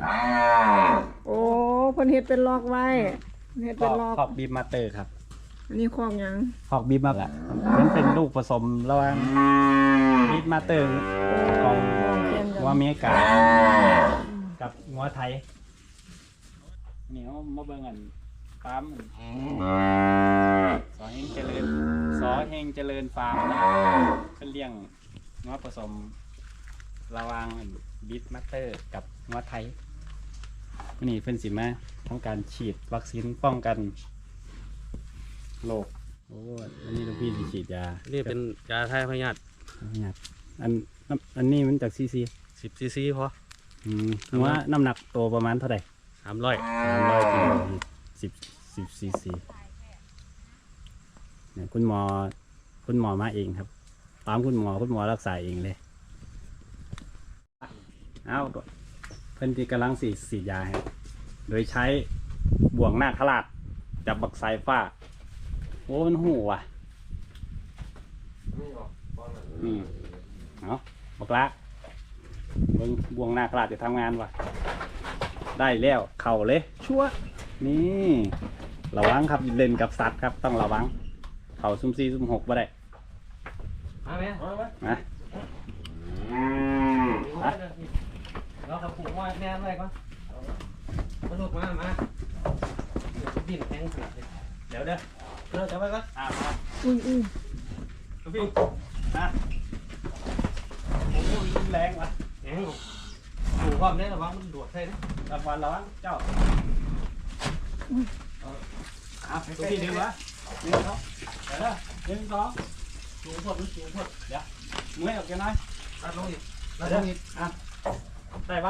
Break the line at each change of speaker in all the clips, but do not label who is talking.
โอ้เพิ่นเฮ็ดเป็นล็อกไว้เฮ็ดเป็นล็อก
คอกบีมาเตอร์ครับ
อันนี้คอกหยัง
คอกบีมาแหละเป็นลูกผสมระหว่างบีมาเตอร์ของ
เขียนกั
งัวน อเมริกากับงัวไทยนี่เขามาเบิ่งกันฟาร์มสอเฮงเจริญฟาร์มนะเป็นเลี้ยงงัวผสมระหว่างบีมาเตอร์กับงัวไทยนี่เพิ่นสิมาทำการฉีดวัคซีนป้องกันโรคโอ้อันนี้ลูกพี่สิฉีดยา
นี่เป็นยาไทยพยาธิ
อันนี้มันจากซีซี
10 ซีซีพอ
ว่าน้ำหนักตัวประมาณเท่าไหร่
300
300กิโล10ซีซีเนี่ยคุณหมอมาเองครับตามคุณหมอรักษาเองเลยเอาเพิ่นที่กำลังฉีดยาครับโดยใช้บ่วงนาคราชจับบักสายฟ้าโอ้มันหูว่ะเอาบักละเบิ่งบ่วงนาคราชจะทำงานว่ะได้แล้วเข่าเลยชั่วนี่ระวังครับเล่นกับสัตว์ครับต้องระวังเข่าซุ่ม4ซุ่ม6บ่ได้มาไหมมา
เราขับผูกว่าแน่อะไรก่อนมาลูกมาบินแข็งขนาดนี้เดี๋ยวจะไปก่อน
อุ้ย
พี่นะโอ้ยรุนแรงว่ะ
แข็งผูกความได้ระวังมันดวดใช่ไหม
ระวังเจ้าตัวพี่ดึงวะดึงเขาเดี๋ยวดึงเขาสูงพดเดี๋ยวมือออกกันหน่อย
ตัดลงอีก
ได้ปะ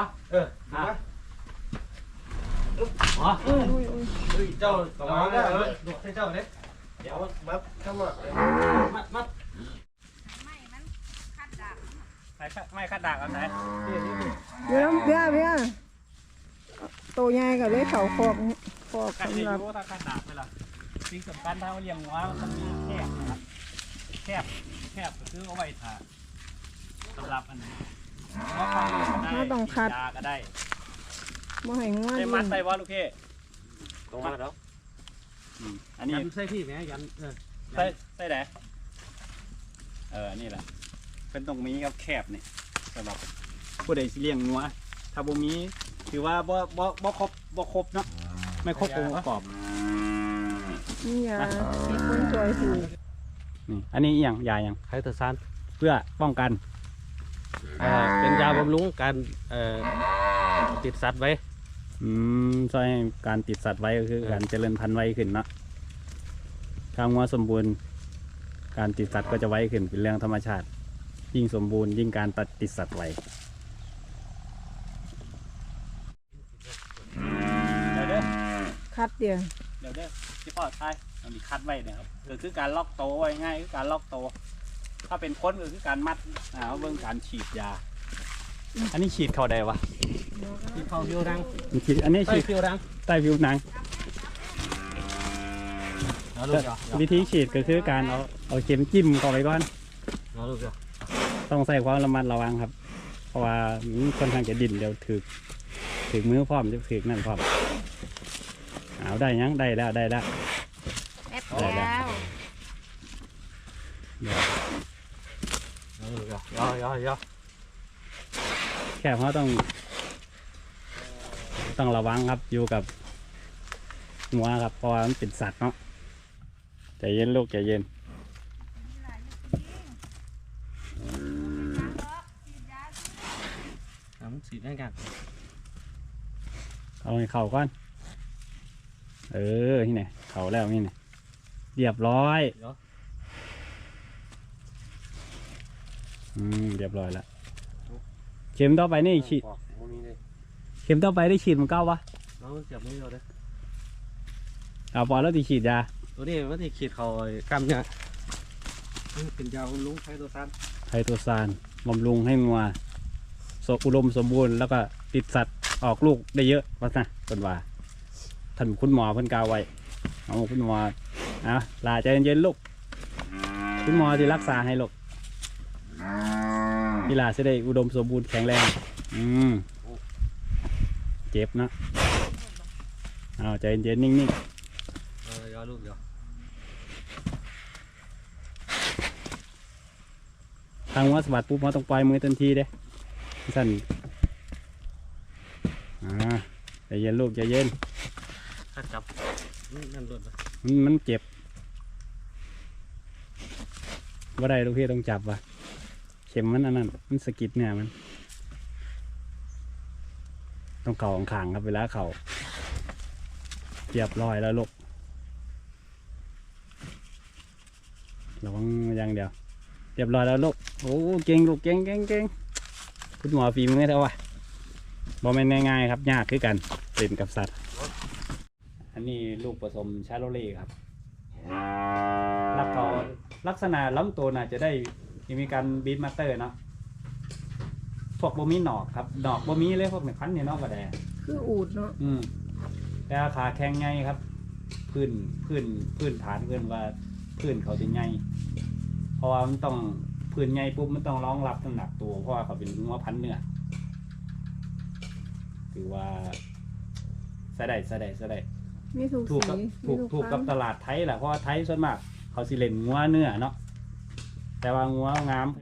อ๋อ
เจ้าสมองได้ดวดใช่เจ้าเนี่ย
เดี๋ยว
มัดเข้ามามัด
ไม่คัดดากเอาไหน
เดี๋ยวเบี้ยโตใหญ่กับเลยเขาคอก
คัด
สำหรับ
รู้ถ้าคัดดากไปละสิ่งสำคัญถ้าเลี้ยงวัวมันต้องมีแคบนะครับแคบก็คือเอาไว้ถ่าสำหรับอันนี้ยาก็ได้
บ่ให้งัว
ได้มัดใส่วะลูกพี่
ตรงมาแล้ว
อันนี้
ยันใส่พี่ไหมยัน
ใส่ไหนนี่แหละเป็นตรงนี้ครับแคบนี่สำหรับผู้ใดสิเลี้ยงงัวถ้าบ่มีถือว่าบ่ครบเนาะไม่ครบองค์ประกอบ
นี่ยามีคนช่วยถือ
นี่อันนี้อย่างยาอย่าง
ไคเตอร์ซาน
เพื่อป้องกัน
เป็นยาบำรุงการติดสัตว์ไว้
ช่วยการติดสัตว์ไว้ก็คือการเจริญพันธุ์ไว้ขึ้นเนาะถ้างัวสมบูรณ์การติดสัตว์ก็จะไว้ขึ้นเป็นเรื่องธรรมชาติยิ่งสมบูรณ์ยิ่งการติดสัตว์ไว้เดี๋ยว
คัดเดียว
ที่พ่อทายมันมีคัดไว้เนี่ยครับคือการล็อกโตไว้ง่ายคือการล็อกโตถ้าเป็นคนก็คือการมัดเบื้องการฉีดยาอันนี้ฉีดเข้าได้วะ
ที่เขาผิวรัง
ฉีดอันนี้ฉีด
ผิวรัง
ใต้ผิวหนังวิธีฉีดก็คือการเอาเข็มจิ้มเข้าไปก่อนต้องใส่ความระมัดระวังครับเพราะว่ามันค่อนข้างจะดิ่นเดี๋ยวถือมือพร้อมจะถือนั่นพร้อมเอาได้ยังได้แล้ว
แป๊บแล้ว
ย่อ
แค่เพราะต้องระวังครับอยู่กับงัวครับเพราะว่ามันเป็นสัตว์เนาะใจเย็นลูกใจเย็น
สีได้กัน
เอาให้เข่าก่อนที่ไหนเข่าแล้วนี่ไหนเรียบร้อยเรียบร้อยแล้วเข็มต่อไปนี่ฉีดเข็มต่อไปได้ฉีดมันเก้าวะ
เราเสียบมือเราเด้
เอาพอแล้วที่ฉีดยา
ตัวนี้ว่าที่ขีดเขากำเนี่ยเป็นยาบำรุงไคโตซาน
บำรุงให้งัวอุดมสมบูรณ์แล้วก็ติดสัตว์ออกลูกได้เยอะว่านะเป็นว่าท่านคุณหมอเพิ่นกล่าวไว้เอาคุณหมอลาใจเย็นๆลูกคุณหมอที่รักษาให้ลูกกีฬาจะได้อุดมสมบูรณ์แข็งแรงใจเจ็บเนาะเอาใจเย็นๆนิ่ง
ย่อลูกเดียว
ๆทางว่าสะบัดปุ๊บเราต้องปล่อยมือทันทีเด้สั่นใจเย็นลูกใจเย็น
ถ้าจับนั่นโดนไป
มันเจ็บว่าได้ลูกพี่ต้องจับว่ะเข็มมันอันนั้นมันสะกิดเนี่ยมันต้องเข่าขางๆครับเวลาเข่าเรียบร้อยแล้วลูกระวังอย่างเดียวเรียบร้อยแล้วลูกโอ้เก่งลูกเก่งคุณหมอฝีมือเท่าไหร่บอแม่นง่ายๆครับยากคือกันเล่นกับสัตว์อันนี้ลูกผสมชาโลเล่ครับลักษณะลำตัวน่าจะได้มีการบีทมาสเตอร์เนาะพวกบ่มีหนอกครับหนอกบ่มีเลยพวกเนี่ยพันเนี่ยนอกกระแด
คืออูดเนาะ
แต่ขาแข็งไงครับพื้นฐานเกินว่าพื้นเขาจะไงเพราะว่ามันต้องพื้นไงปุ๊บมันต้องรองรับน้ำหนักตัวเพราะว่าเขาเป็นงัวพันธุ์เนื้อถือว่าใส่ได้
มีถูก
ถูก
สี
กับ
มี
ถูกกับ
พัน
ตลาดไทยแหละเพราะว่าไทยส่วนมากเขาสิเล่นงัวเนื้อเนาะแต่ว่างัวงาม